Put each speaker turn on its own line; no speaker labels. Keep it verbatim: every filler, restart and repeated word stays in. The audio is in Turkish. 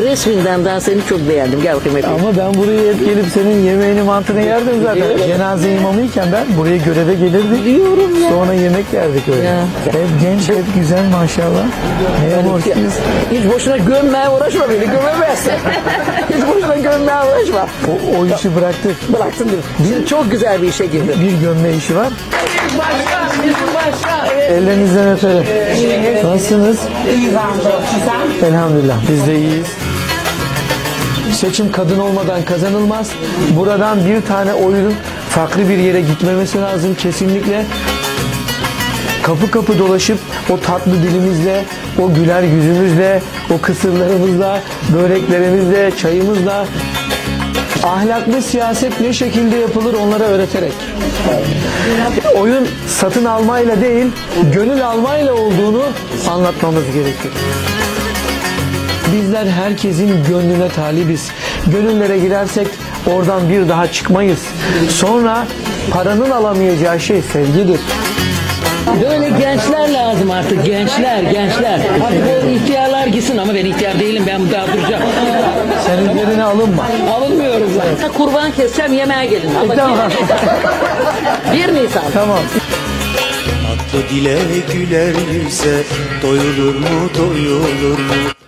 resminden daha seni çok beğendim. Gel bakayım hep.
Ama ben buraya hep gelip senin yemeğini mantını yerdim zaten. Cenaze imamıyken ben buraya göreve gelirdik.
Biliyorum ya.
Sonra yemek yerdik öyle.
Ya.
Hep genç, hep güzel maşallah. Neye borçluyuz?
Hiç boşuna gömmeye uğraşma beni, gömemezsin. Hiç boşuna gömmeye uğraşma.
O, o işi bıraktık.
Bıraktın değil mi? Şimdi çok güzel bir işe girdin.
Bir gömme işi var.
Başka, bizim başka. Evet.
Ellerinizden öperim. Nasılsınız?
İyiyiz hamdolsun.
Elhamdülillah. Biz de iyiyiz. Seçim kadın olmadan kazanılmaz. Buradan bir tane oyun farklı bir yere gitmemesi lazım kesinlikle. Kapı kapı dolaşıp o tatlı dilimizle, o güler yüzümüzle, o kısırlarımızla, böreklerimizle, çayımızla ahlaklı siyaset ne şekilde yapılır onlara öğreterek. Oyun satın almayla değil, gönül almayla olduğunu anlatmamız gerekir. Bizler herkesin gönlüne talibiz. Gönüllere girersek oradan bir daha çıkmayız. Sonra paranın alamayacağı şey sevgidir.
Böyle gençler lazım artık, gençler, gençler. Artık o ihtiyarlar gitsin ama ben ihtiyar değilim, ben daha duracağım.
Senin yerine alınma.
Alınmıyoruz zaten. Kurban keseceğim, yemeğe gelin. Ama
Tamam.
bir Nisan.
Tamam.
Tatlı dile güler yüze doyulur mu doyulur mu?